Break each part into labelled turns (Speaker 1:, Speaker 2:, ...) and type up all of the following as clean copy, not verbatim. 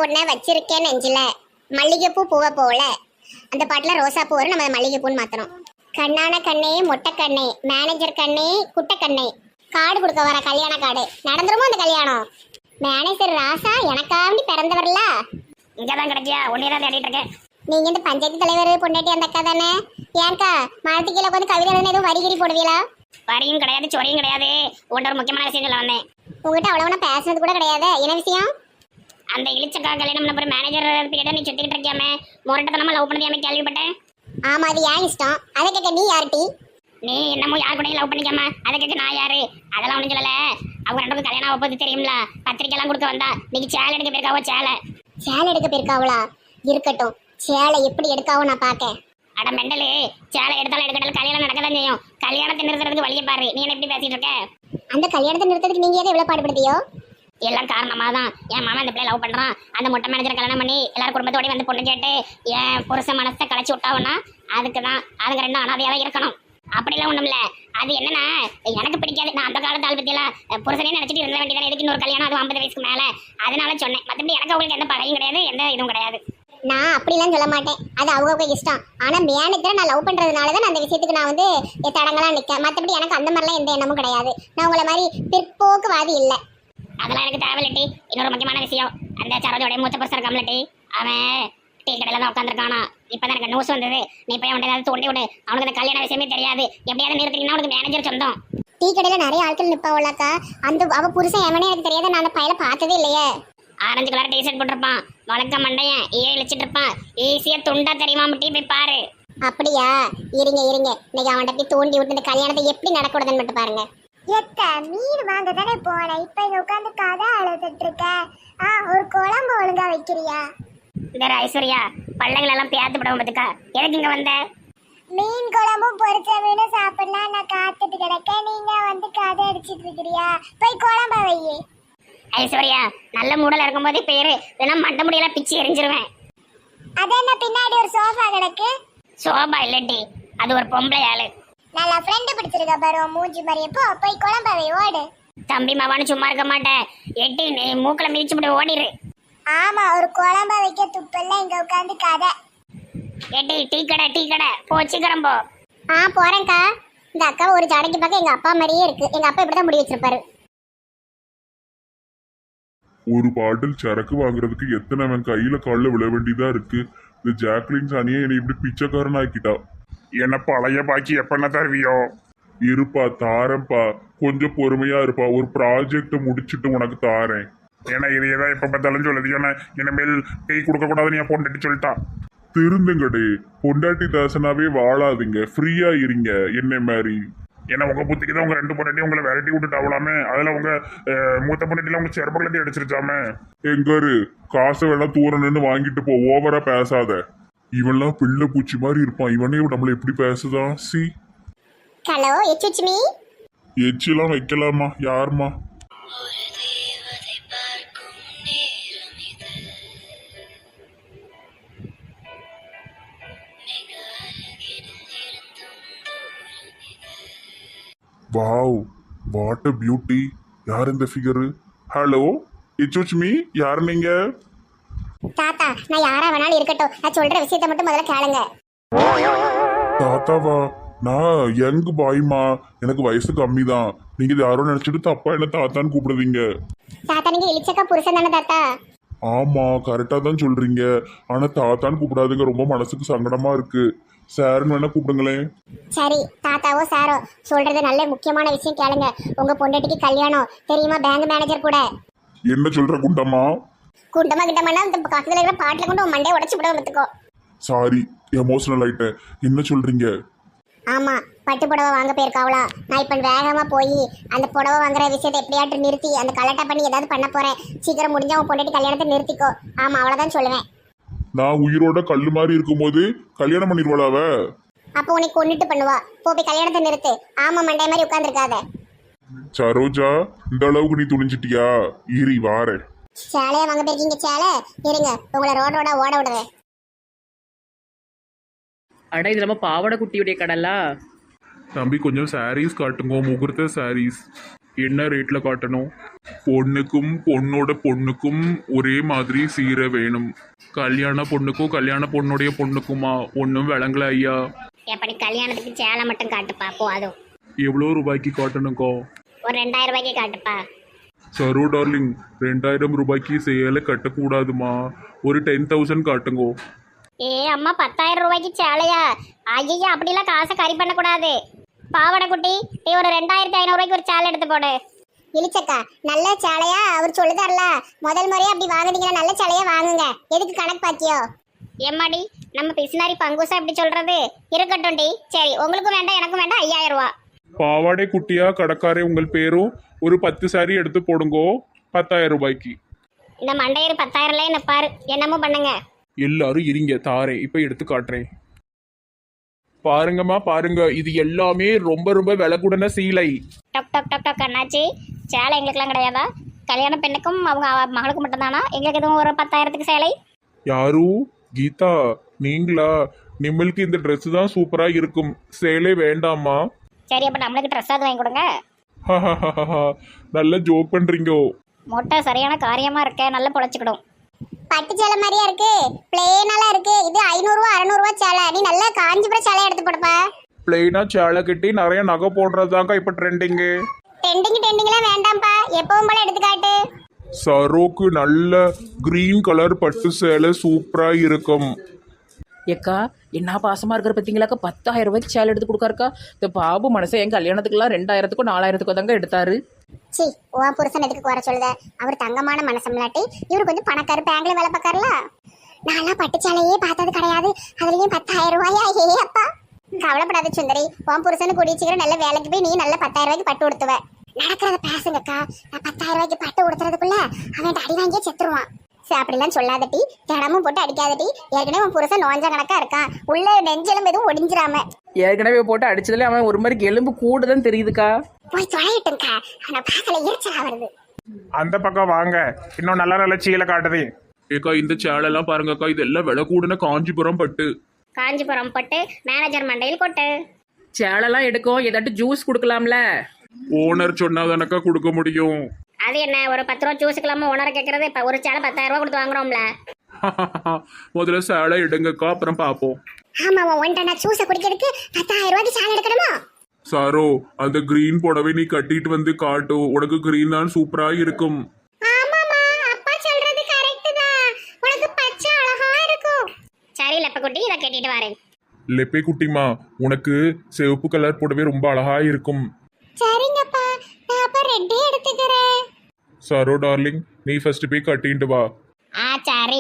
Speaker 1: உடனே வச்சிருக்கேன் நெஞ்சில மல்லிகைப்பூ பூவை போல. அந்த பாட்டுல ரோசா பூ வரும், நம்ம மல்லிகைப்பூன்னு மாத்தணும். கண்ணான கண்ணே மொட்டை கண்ணே மேனேஜர் கண்ணே குட்டை கண்ணே கார்டு கொடுக்க வர கல்யாண கார்டு நடந்துருமோ அந்த கல்யாணம்? மேனேஜர் ராசா எனக்காண்டி பிறந்தவர்ல
Speaker 2: இங்கதான் கிடைக்கியா? ஒன்னேதான் தேடிட்டு இருக்கேன்.
Speaker 1: நீங்க இந்த பஞ்சாயத்து தலைவர் பொண்டாட்டி அந்த அக்கா தானே? ஏன்க்கா மரத்து கீழே உட்காந்து கவிதை எழுதுன எதுவும் வரிகிரி போடுவீங்களா?
Speaker 2: வரியும் கிடையாது, சொரியும் கிடையாது. உன்ட்ட ஒரு முக்கியமான விஷயம் சொல்ல வந்தேன்.
Speaker 1: உங்ககிட்ட அவ்வளவு பேசுனது கூட கிடையாது. என்ன விஷயம்?
Speaker 2: அந்த இழிச்சக்கா கல்யாணம் பண்ண மேனேஜர் பீரியட நீ சுத்திக்கிட்டு இருக்கியாமே, முரட்டத்தனமா லவ் பண்ணதியாமே கேள்விப்பட்டேன்.
Speaker 1: ஆமா, அது ஏன் இஷ்டம். அதை கேட்க நீ யார்ட்டி?
Speaker 2: நீ என்னமோ யார் கூட லவ் பண்ணிக்காம அதை கேட்க நான் யாரு? அதெல்லாம் ஒன்றும் சொல்லல. அவங்க ரெண்டு கல்யாணம் ஆக போது தெரியும்ல, பத்திரிக்கை எல்லாம் கொடுக்க வந்தா. நீங்க சேலை எடுக்க போயிருக்காவோ?
Speaker 1: சேலை எடுக்க போயிருக்காவளா? இருக்கட்டும், சேலை எப்படி எடுக்காவோ நான் பாக்கேன்.
Speaker 2: அட மெண்டலு, சேலை எடுத்தாலும் எடுக்கட்டாலும் கல்யாணம் நடக்கதான் செய்யும். கல்யாணத்தை நிறுத்துறதுக்கு வழியை பாரு. நீ என்ன எப்படி பேசிட்டு இருக்க?
Speaker 1: அந்த கல்யாணத்தை நிறுத்ததுக்கு நீங்க எவ்வளவு பாடுபடுத்தியோ?
Speaker 2: எல்லாம் காரணமா தான். என் மாமா இந்த பிள்ளை லவ் பண்றான். அந்த மொட்டை மேனேஜர் கல்யாணம் பண்ணி எல்லாரும் குடும்பத்தோட வந்து பொண்ணு கேட்டு என் புருஷ மனசை களைச்சி விட்டாவனா அதுக்குதான். அதுங்க ரெண்டும் அனாதையாவே இருக்கணும். அப்படிலாம் ஒண்ணும் இல்ல. அது என்னன்னா எனக்கு பிடிக்காது. நான் அந்த காலத்து ஆள் பத்தியெல்லாம் புருஷனே நினைச்சிட்டு இருந்த வேண்டியதான். எதுக்கு இன்னொரு கல்யாணம், அது 50 வயசுக்கு மேல. அதனால சொன்னேன். மற்றபடி எனக்கு அவங்களுக்கு எந்த பகையும் கிடையாது, எந்த இதுவும் கிடையாது.
Speaker 1: நான் அப்படிலாம் சொல்ல மாட்டேன். அது அவங்க இஷ்டம். ஆனா மேனேஜரை நான் லவ் பண்றதுனாலதான் அந்த விஷயத்துக்கு நான் வந்து தடங்களா நிக்க. மற்றபடி எனக்கு அந்த மாதிரிலாம் எந்த எண்ணமும் கிடையாது. நான் உங்களை மாதிரி பிற்போக்குவாதி இல்லை.
Speaker 2: அதெல்லாம் எனக்கு தேவையில்லட்டி. இன்னொரு முக்கியமான விஷயம், அந்த சரோஜோடைய மூத்த புருஷன் இருக்காமலட்டி, அவன் டீ கடையில தான் உட்காந்துருக்கானா. இப்பதான் எனக்கு நியூஸ் வந்தது. நீ போய் அவன் ஏதாவது தோண்டி விடு. அவனுக்கு அந்த கல்யாண விஷயமே தெரியாது. எப்படியாவது நிறுத்தினா அவனுக்கு மேனேஜர் சொந்தம்.
Speaker 1: டீ கடையில நிறைய ஆட்கள் நிப்பாவளாக்கா. அந்த அவ புருஷன் எவனே எனக்கு தெரியாது. நான் அந்த பையனை பார்த்ததே இல்லையே.
Speaker 2: ஆரஞ்சு கலர் டிஷர்ட் போட்டிருப்பான், வழக்க மண்டையன், இழிச்சிட்டு இருப்பான். ஈஸியா துண்டா தெரியுமா? டீ போய் பாரு.
Speaker 1: அப்படியா? இருங்க இன்னைக்கு அவன்கிட்ட போய் தோண்டி விட்டு இந்த கல்யாணத்தை எப்படி நடக்கூடாதுன்னு மட்டும் பாருங்க. மீன் வாங்க தானே போனேன். இப்ப இங்க உட்காந்து கதை அழுதுட்டு இருக்க. ஒரு குழம்பு ஒழுங்கா வைக்கிறியா?
Speaker 2: இந்த ஐஸ்வர்யா பள்ளைகள் எல்லாம் பேத்து படம் பார்த்துக்கா. எதுக்கு இங்க வந்த?
Speaker 1: மீன் குழம்பும் பொரிச்ச மீனும் சாப்பிடலாம் நான் காத்துட்டு கிடக்க. நீங்க வந்து கதை அடிச்சிட்டு இருக்கிறியா? போய் குழம்ப வையே.
Speaker 2: ஐஸ்வர்யா நல்ல மூடல இருக்கும்போதே பேரு வேணா மண்ட முடியெல்லாம் பிச்சு எரிஞ்சிருவேன்.
Speaker 1: அது என்ன பின்னாடி ஒரு சோஃபா கிடக்கு?
Speaker 2: சோபா இல்லட்டி, அது ஒரு பொம்பளை ஆளு.
Speaker 1: நல்லா ஃப்ரெண்டு பிடிச்சிருக்க பாரு மூஞ்சி மாதிரி. எப்போ போய் குழம்பவை ஓடு.
Speaker 2: தம்பி மாவான்னு சும்மா இருக்க மாட்டேன். எட்டி நீ மூக்கல மிதிச்சு விட்டு ஓடிரு.
Speaker 1: ஆமா, ஒரு குழம்ப வைக்க துப்பல்ல இங்க உட்காந்து கதை.
Speaker 2: எட்டி டீ கடை போ, சீக்கிரம் போ.
Speaker 1: போறேன்க்கா. இந்த அக்கா ஒரு ஜாடைக்கு பார்க்க எங்க அப்பா மாதிரியே இருக்கு. எங்க அப்பா இப்படிதான் முடி வச்சிருப்பாரு.
Speaker 3: ஒரு பாட்டில் சரக்கு வாங்குறதுக்கு எத்தனை கையில காலில் விழ வேண்டியதா இருக்கு. இந்த ஜாக்லின் சானியை என்னை இப்படி பிச்சைக்காரன் ஆக்கிட்டா.
Speaker 4: என்ன பழைய பாக்கி எப்பண்ண தருவியோ?
Speaker 3: இருப்பா, தாரேன்ப்பா, கொஞ்சம் பொறுமையா இருப்பா. ஒரு ப்ராஜெக்ட் முடிச்சுட்டு உனக்கு தாரேன்.
Speaker 4: ஏன்னா இதையதான் எப்ப பார்த்தாலும் சொல்லுது. ஏன்னா இனிமேல் டீ கொடுக்க கூடாதுன்னு என் பொண்டாட்டி சொல்லிட்டா.
Speaker 3: திருந்துங்கடே, பொண்டாட்டி தாசனாவே வாழாதீங்க, ஃப்ரீயா இருங்க என்ன மாதிரி.
Speaker 4: ஏன்னா உங்க புத்திக்கு தான் உங்க ரெண்டு பொண்டாட்டி உங்களை விரட்டி விட்டுட்டு ஆகலாமே. அதுல உங்க மூத்த பொண்டாட்டில உங்க செருப்பகலத்தை அடிச்சிருச்சாமே.
Speaker 3: எங்காரு காசை வேணா தூரணுன்னு வாங்கிட்டு போ, ஓவரா பேசாத. இவன்லாம் பிள்ளை பூச்சி மாதிரி இருப்பான். இவனே நம்மள எப்படி பேசுதான்? சி.
Speaker 1: ஹலோ எச்சுச்சுமி.
Speaker 3: எச்சிலாம் வைக்கலாமா? யாருமா? Wow, what a beauty. யார் இந்த ஃபிகரு? Hello it's me. யார் நீங்க?
Speaker 1: தாத்தா, நான் யாரா வேணாலும் இருக்கட்டும். நான் சொல்ற விஷயத்தை மட்டும் முதல்ல கேளுங்க.
Speaker 3: தாத்தாவா? நான் யங் பாய்மா, எனக்கு வயசு கம்மி தான். நீங்க இது யாரோ நினைச்சிட்டு தப்பா என்ன தாத்தான்னு கூப்பிடுவீங்க.
Speaker 1: தாத்தா, நீங்க இளிச்சக்கா புருஷன் தானே தாத்தா?
Speaker 3: ஆமா, கரெக்டா தான் சொல்றீங்க. ஆனா தாத்தான்னு கூப்பிடாதுங்க, ரொம்ப மனசுக்கு சங்கடமா இருக்கு. சார்னு வேணா கூப்பிடுங்களேன்.
Speaker 1: சரி, தாத்தாவோ சாரோ சொல்றது நல்ல முக்கியமான விஷயம் கேளுங்க. உங்க பொண்டாட்டிக்கு கல்யாணம் தெரியுமா? பேங்க் மேனேஜர் கூட.
Speaker 3: என்ன சொல்ற குண்டம்மா?
Speaker 1: குண்டமா கிட்டமானா இந்த பக்கத்துல இருக்கிற பாட்டில கொண்டு உன் மண்டையை உடச்சு விட வந்துக்கோ.
Speaker 3: சாரி, எமோஷனல் ஆயிட்டேன். என்ன சொல்றீங்க?
Speaker 1: ஆமா, பட்டு புடவை வாங்க போயிருக்காவளா. நான் இப்ப வேகமா போய் அந்த புடவை வாங்குற விஷயத்தை எப்படியாட்டு நிறுத்தி அந்த கலெக்டா பண்ணி ஏதாவது பண்ண போறேன். சீக்கிரம் முடிஞ்சா உன் பொண்டாட்டி கல்யாணத்தை நிறுத்திக்கோ. ஆமா, அவ்வளவுதான் சொல்லுவேன்.
Speaker 3: நான் உயிரோட கல்லு மாதிரி இருக்கும்போது கல்யாணம் பண்ணிடுவாளாவ?
Speaker 1: அப்போ உனக்கு கொண்டுட்டு பண்ணுவா. போய் கல்யாணத்தை நிறுத்து. ஆமா, மண்டை மாதிரி உட்கார்ந்துருக்காத.
Speaker 3: சரோஜா, இந்த அளவுக்கு நீ துணிஞ்சிட்டியா? இரி வாரே.
Speaker 1: சேலையா வாங்க போயிருக்கீங்க. சேலை இருங்க, உங்களை ரோடோட ஓட விடுறேன்.
Speaker 5: அட இது நம்ம பாவாடை குட்டியுடைய கடலா?
Speaker 3: தம்பி கொஞ்சம் சாரீஸ் காட்டுங்க, முகூர்த்த சாரீஸ். என்ன ரேட்ல காட்டணும்? பொண்ணுக்கும் பொண்ணோட பொண்ணுக்கும் ஒரே மாதிரி சீரை வேணும். கல்யாண பொண்ணுக்கும் கல்யாண பொண்ணுடைய பொண்ணுக்குமா ஒன்றும் விளங்கல ஐயா.
Speaker 2: எப்படி கல்யாணத்துக்கு சேலை மட்டும் காட்டுப்பா போதும்.
Speaker 3: எவ்வளோ ரூபாய்க்கு காட்டணுக்கோ?
Speaker 2: ஒரு 2000 ரூபாய்க்கு காட்டுப்பா.
Speaker 3: சரோ டார்லிங், 2000 ரூபாய்க்கு சேலை கட்டக்கூடாதுமா. ஒரு 10,000 காட்டுங்கோ.
Speaker 2: ஏ அம்மா 10,000 ரூபாய்க்கு சேலையா? ஐயா அப்படிலாம் காசை கறி பண்ணக்கூடாது. பாவாடை குட்டி நீ ஒரு 2500 ரூபாய்க்கு ஒரு சேலை எடுத்து போடு.
Speaker 1: இழிச்சக்கா நல்ல சேலையா அவர் சொல்லுதார்ல, முதல் முறையா அப்படி வாங்குனீங்கன்னா நல்ல சேலையா வாங்குங்க. எதுக்கு கணக்கு பாக்கியோ?
Speaker 2: எம்மாடி நம்ம பிசினாரி பங்குசா இப்படி சொல்றது? இருக்கட்டும் டி. சரி உங்களுக்கும் வேண்டாம் எனக்கும் வேண்டாம் 5000 ரூபா.
Speaker 3: பாவாடை குட்டியா கடைக்காரே உங்கள் பேரும் ஒரு 10 சாரி எடுத்து போடுங்கோ 10,000 ரூபாய்க்கு.
Speaker 2: இந்த மண்டையர் 10,000ல நிப்பாரு. என்னமோ பண்ணுங்க.
Speaker 3: எல்லாரும் இருங்க தாரேன், இப்போ எடுத்து காட்டுறேன். பாருங்கம்மா பாருங்க, இது எல்லாமே ரொம்ப ரொம்ப விலை கூடன சீலை.
Speaker 2: டக் டக் டக் டக் அண்ணாச்சி, சேலை எங்களுக்குலாம் கிடையாதா? கல்யாண பெண்ணுக்கும் அவங்க மகளுக்கு மட்டும்தானா? எங்களுக்கு எதுவும் ஒரு 10,000க்கு சேலை?
Speaker 3: யாரு? கீதா நீங்களா? நிம்மளுக்கு இந்த Dress தான் சூப்பரா இருக்கும், சேலை வேண்டாமா?
Speaker 2: சரி அப்ப நம்மளுக்கு ட்ரெஸ் அது வாங்கி கொடுங்க.
Speaker 3: நல்ல ஜோக் பண்றீங்கோ.
Speaker 2: மொட்டை சரியான காரியமா இருக்க, நல்லா பொழைச்சிக்கிடும்.
Speaker 1: பட்டு சேலை மாதிரியா இருக்கு, பிளேனாலாம் இருக்கு. இது 500 ரூபா 600 ரூபா சேலை. நீ நல்ல காஞ்சிபுரம் சேலை எடுத்து போடுப்பா.
Speaker 3: பிளெயினா சேலை கட்டி நிறைய நகை போடுறதாங்க இப்ப ட்ரெண்டிங்கு.
Speaker 1: டெண்டிங்லாம் வேண்டாம்ப்பா, எப்பவும் போல எடுத்து காட்டு.
Speaker 3: சரோக்கு நல்ல கிரீன் கலர் பட்டு சேலை சூப்பரா இருக்கும்.
Speaker 5: ஏக்கா என்ன பாசமா இருக்கிற பார்த்தீங்களாக்கா, 10,000 ரூபாய்க்கு சேலை எடுத்து கொடுக்காருக்கா. இந்த பாபு மனசை என் கல்யாணத்துக்குலாம் 2000த்துக்கும் 4000த்துக்கும் தாங்க எடுத்தாரு.
Speaker 1: சி உன் புருஷன் எதுக்கு குறை சொல்லுத? அவர் தங்கமான மனசம்லாட்டி இவரு கொஞ்சம் பணக்காரு, பேங்க்ல வேலை பார்க்காருல. நான்லாம் பட்டு சேலையே பார்த்தது கிடையாது, அதுலயும் 10,000 ரூபாயா? ஏ அப்பா கவலைப்படாத சுந்தரி, உன் புருஷனு குடிச்சுக்கிற நல்ல வேலைக்கு போய் நீ நல்ல 10,000 ரூபாய்க்கு பட்டு கொடுத்துவ. நடக்கிறத பேசுங்கக்கா. நான் 10,000 ரூபாய்க்கு பட்டு கொடுத்துறதுக்குள்ள அவன் அடி வாங்கியே செத்துருவான். சரி அப்படிலாம் சொல்லாதட்டி, தினமும் போட்டு அடிக்காதட்டி. ஏற்கனவே உன் புருஷன் நோஞ்ச கணக்கா இருக்கான், உள்ள நெஞ்சலும் எதுவும் ஒடிஞ்சிராம.
Speaker 5: ஏற்கனவே போட்டு அடிச்சதுல அவன் ஒரு மாதிரி எலும்பு கூட தான் தெரியுதுக்கா.
Speaker 1: போய் தொலையிட்டுங்கக்கா, அவனை பார்க்கல எரிச்சலா வருது.
Speaker 4: அந்த பக்கம் வாங்க, இன்னும் நல்ல நல்ல சீலை காட்டுது.
Speaker 3: ஏக்கா இந்த சேலை எல்லாம் பாருங்கக்கா, இதெல்லாம் விலை கூடன காஞ்சிபுரம் பட்டு.
Speaker 2: காஞ்சிபுரம் பட்டு மேனேஜர் மண்டையில் கொட்டு.
Speaker 5: சேலைலாம் எடுக்கும், ஏதாட்டும் ஜூஸ் கொடுக்கலாம்ல?
Speaker 3: ஓனர் சொன்னாதானக்கா கொடுக்க முடியும்.
Speaker 2: அது என்ன ஒரு 10 ரூபா ஜூஸுக்கெல்லாம ஓனரை கேட்கறது? இப்போ ஒரு சேலை 10,000 ரூபா கொடுத்து வாங்குறோம்ல.
Speaker 3: முதல்ல சேலை எடுங்கக்கா, அப்புறம் பாப்போம்.
Speaker 1: ஆமா ஒன்றை நான் ஜூஸை குடிக்கிறதுக்கு 10,000 ரூபாய்க்கு சேலை எடுக்கணுமா?
Speaker 3: சாரோ அந்த கிரீன் புடவை நீ கட்டிட்டு வந்து காட்டு, உனக்கு கிரீன் தான் சூப்பரா இருக்கும்.
Speaker 1: ஆமாமா அப்பா சொல்றது கரெக்ட் தான், உனக்கு பச்சை அழகா இருக்கும்.
Speaker 2: சரி லெப்பக்குட்டி இதை கேட்டுட்டு வரேன்.
Speaker 3: லெப்பே குட்டிமா, உனக்கு சிவப்பு கலர் புடவை ரொம்ப அழகா இருக்கும்.
Speaker 1: சரிங்கப்பா, நான் அப்ப ரெட்டே எடுத்துக்கிறேன்.
Speaker 3: சாரோ டார்லிங், நீ ஃபர்ஸ்ட் போய் கட்டிட்டு வா.
Speaker 2: சரி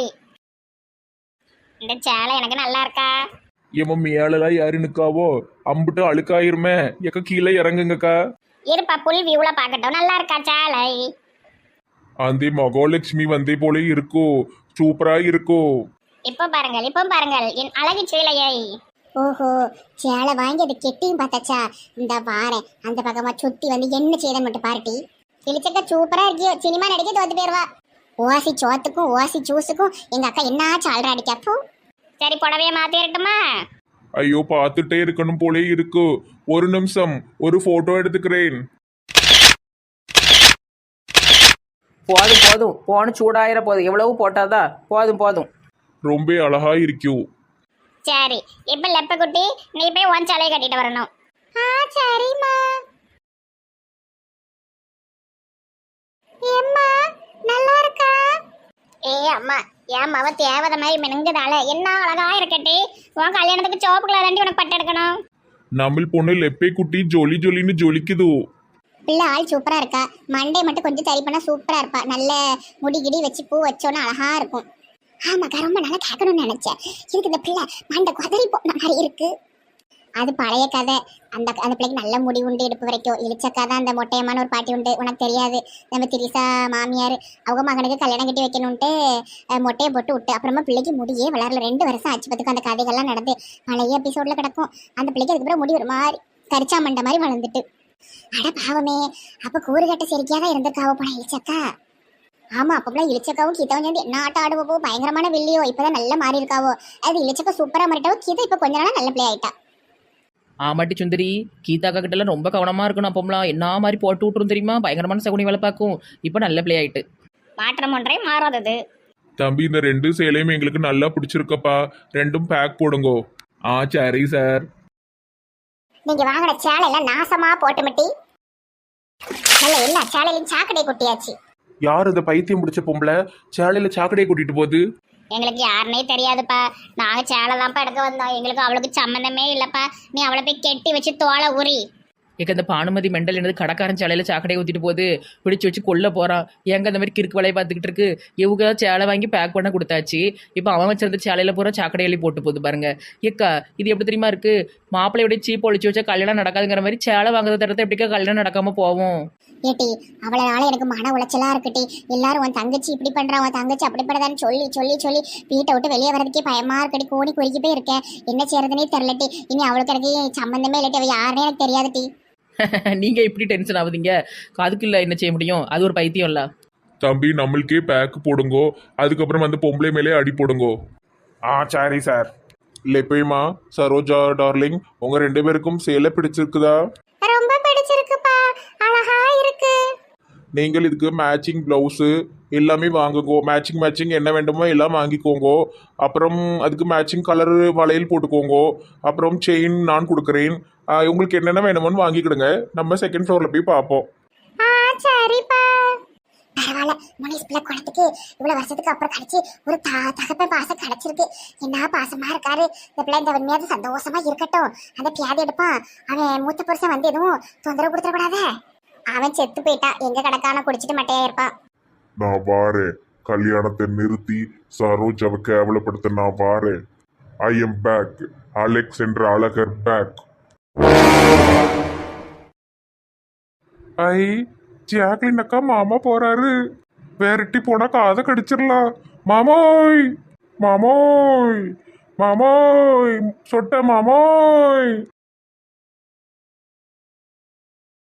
Speaker 2: இந்த சேலை எனக்கு நல்லா இருக்கா?
Speaker 3: ஏமா மேலெல்லாம் யாரு நிக்காவோ, அம்புட்டு அழுக்காயிருமே. எக்க கீழே இறங்குங்கக்கா.
Speaker 2: இருப்பா புல் வியூல பார்க்கட்டும். நல்லா இருக்கா சேலை?
Speaker 3: அந்த மகாலட்சுமி வந்தே போல இருக்கோ, சூப்பரா இருக்கோ.
Speaker 2: இப்போ பாருங்கள் என் அழகு சேலையை.
Speaker 1: ஓஹோ சேலை வாங்கி அது கெட்டியும் பார்த்தாச்சா? இந்த வாரேன் அந்த பக்கமா சுத்தி வந்து என்ன செய்யறன்னு மட்டும் பார்ட்டி. கிழிச்சக்கா சூப்பரா இருக்கியோ, சினிமா நடிக்க தோத்து போயிருவா. ஓசி சோத்துக்கும் ஓசி ஜூஸுக்கும் எங்க அக்கா என்ன சால்ரா அடிக்காப்போ.
Speaker 2: சரி புடவைய மாத்தி இருக்கட்டுமா?
Speaker 3: ஐயோ பார்த்துட்டே இருக்கணும் போலே இருக்கு. ஒரு நிமிஷம், ஒரு போட்டோ எடுத்துக்கிறேன்.
Speaker 5: போதும் போதும், போன சூடாயிர போதும், எவ்வளவு போட்டாதா? போதும் போதும்.
Speaker 3: ரொம்ப அழகா இருக்கியோ.
Speaker 2: சரி இப்போ லெப்பக்குட்டி நீ போய் உன் சேலையை கட்டிட்டு வரணும்.
Speaker 1: சரிம்மா. ஏம்மா நல்லா இருக்கா?
Speaker 2: அம்மா என் மவ தேவதை மாதிரி மினுங்குதால என்ன அழகா இருக்கட்டி. உன் கல்யாணத்துக்கு சோப்பு கலர் தாண்டி உனக்கு பட்டு எடுக்கணும்.
Speaker 3: நம்ம பொண்ணு லெப்பே குட்டி ஜொலி ஜொலின்னு ஜொலிக்குதோ.
Speaker 1: பிள்ளை ஆள் சூப்பரா இருக்கா, மண்டே மட்டும் கொஞ்சம் சரி பண்ணா சூப்பரா இருப்பா. நல்ல முடி கிடி வச்சு பூ வச்சோன்னா அழகா இருக்கும். ஆமாக்கா ரொம்ப நல்லா கேட்கணும்னு நினைச்சேன். இதுக்கு இந்த பிள்ளை மண்டை குதறி போன மாதிரி இருக்கு. அது பழைய கதை. அந்த பிள்ளைக்கு நல்ல முடி உண்டு இடுப்பு வரைக்கும். இழிச்சக்கா தான் அந்த மொட்டையமான ஒரு பாட்டி உண்டு, உனக்கு தெரியாது. நம்ம திரிசா மாமியார் அவங்க மகனுக்கு கல்யாணம் கட்டி வைக்கணும்ட்டு மொட்டையை போட்டு விட்டு அப்புறமா பிள்ளைக்கு முடியே வளரல. 2 வருஷம் ஆச்சு பத்துக்கு அந்த கதைகள்லாம் நடந்து பழைய எபிசோட்ல கிடக்கும். அந்த பிள்ளைக்கு அதுக்கப்புறம் முடி ஒரு மாதிரி கரிச்சா மண்டை மாதிரி வளர்ந்துட்டு. அட பாவமே, அப்ப கூறுகட்ட சரிக்காதான் இருந்திருக்காவோ போன இழிச்சக்கா. ஆமா அப்பெல்லாம் இழிச்சக்காவும் கீதாவும் சேர்ந்து என்ன ஆட்டம் ஆடுவோ, பயங்கரமான வில்லியோ. இப்பதான் நல்லா மாறி இருக்காவோ. அது இழிச்சக்கா சூப்பரா மாறிட்டாவோ, கீதா இப்ப கொஞ்ச நாளா நல்ல பிள்ளை ஆயிட்டா.
Speaker 5: ஆமாட்டி சுந்தரி, கீதாக்கா கிட்டலாம் ரொம்ப கவனமாக இருக்கணும். அப்போம்லாம் என்ன மாதிரி போட்டு விட்டுரும் தெரியுமா, பயங்கரமான சகுனி வேலை பார்க்கும். இப்போ நல்ல பிள்ளை ஆயிட்டு.
Speaker 2: மாற்றம் ஒன்றே மாறாதது.
Speaker 3: தம்பி இந்த 2 சேலையும் எங்களுக்கு நல்லா பிடிச்சிருக்கப்பா, 2ம் பேக் போடுங்கோ. ஆ சரி சார்.
Speaker 1: நீங்க வாங்கின சேலை எல்லாம் நாசமா போட்டுமிட்டி நல்ல எல்லா சேலையிலும் சாக்கடை கொட்டியாச்சு.
Speaker 3: யார் இந்த பைத்தியம் முடிச்ச பொம்பளை சேலையில சாக்கடையை கூட்டிட்டு போகுது?
Speaker 2: எங்களுக்கு யாருனே தெரியாதுப்பா. நாங்க சேலை தான்ப்பா எடுக்க வந்தோம். எங்களுக்கு அவளுக்கு சம்மந்தமே இல்லப்பா. நீ அவளை போய் கெட்டி வச்சு தோலை உரி.
Speaker 5: ஏக்க இந்த பானுமதி மெண்டல் என்னது கடைக்காரன் சேலையில் சாக்கடையை ஊற்றிட்டு போகுது, பிடிச்சி வச்சு கொல்ல போகிறான். ஏங்க அந்த மாதிரி கிறுக்கு வேலையை பார்த்துக்கிட்டு இருக்கு. இவங்க சேலை வாங்கி பேக் பண்ண கொடுத்தாச்சு, இப்போ அவன் வச்சிருந்த சேலையில் பூரா சாக்கடை எழுதி போட்டு போகுது பாருங்க. ஏக்கா இது எப்படி தெரியுமா இருக்கு, மாப்பிள்ளையோட சீப் ஒழிச்சு வச்சா கல்யாணம் நடக்காதுங்கிற மாதிரி சேலை வாங்குறத தரத்தை எப்படிக்கா கல்யாணம் நடக்காம போவோம்.
Speaker 1: ஏட்டி அவளனால எனக்கு மன உளைச்சலா இருக்குட்டி. எல்லாரும் உன் தங்கச்சி இப்படி பண்றா, உன் தங்கச்சி அப்படி பண்றதான்னு சொல்லி சொல்லி சொல்லி வீட்டை விட்டு வெளியே வரதுக்கே பயமா இருக்கடி. கோடி குறுக்கி போய் இருக்கேன், என்ன செய்யறதுனே தெரியலட்டி. இனி அவளுக்கு எனக்கு சம்மந்தமே இல்லட்டி, அவ யாருன்னே எனக்கு தெரியாதுட்டி.
Speaker 5: நீங்கள் இப்படி டென்ஷன் ஆகுதுங்க, அதுக்கு இல்லை என்ன செய்ய முடியும், அது ஒரு பைத்தியம் இல்லை.
Speaker 3: தம்பி நம்மளுக்கே பேக் போடுங்கோ, அதுக்கப்புறம் வந்து பொம்பளை மேலே அடி போடுங்கோ.
Speaker 4: ஆ சரி சார்.
Speaker 3: லெப்பைமா சரோஜா டார்லிங், உங்க 2 பேருக்கும் சேலை பிடிச்சிருக்குதா?
Speaker 1: ரொம்ப பிடிச்சிருக்குப்பா, அழகா இருக்கு.
Speaker 3: நீங்கள் இதுக்கு மேட்சிங் ப்ளவுஸு எல்லாமே வாங்குங்கோ. மேட்சிங் என்ன வேண்டுமோ எல்லாம் வாங்கிக்கோங்கோ. அப்புறம் அதுக்கு மேட்சிங் கலர் வளையல் போட்டுக்கோங்கோ. அப்புறம் செயின் நான் கொடுக்குறேன். உங்களுக்கு என்னென்ன வேணுமோன்னு வாங்கிக்கிடுங்க. நம்ம செகண்ட் ஃப்ளோரில் போய் பார்ப்போம்.
Speaker 1: ஆ சரிப்பா. பரவாயில்ல, முனிஸ் பிள்ளை குளத்துக்கு இவ்வளவு வருஷத்துக்கு அப்புறம் கிடைச்சி ஒரு தகப்ப பாசம் கிடைச்சிருக்கு. என்ன பாசமா இருக்காரு இந்த பிள்ளை. இந்த உண்மையாவது சந்தோஷமா இருக்கட்டும். அந்த பியாதி எடுப்பான். அவன் மூத்த புருஷன் வந்து எதுவும் தொந்தரவு கொடுத்துடக்கூடாத. அவன் செத்து போயிட்டா, எங்க கிடக்கான குடிச்சிட்டு மட்டையா இருப்பான்.
Speaker 4: நான் வாரேன். கல்யாணத்தை நிறுத்தி சரோஜாவை கேவலப்படுத்த நான் வாரேன். I am back. அலெக்ஸ் என்ற அழகர் பேக்.
Speaker 3: ஐ ஜாக்லின் அக்கா மாமா போறாரு. வேறட்டி போனா காதை கடிச்சிடலாம். மாமோய் மாமோய் மாமோய் சொட்ட மாமோய்.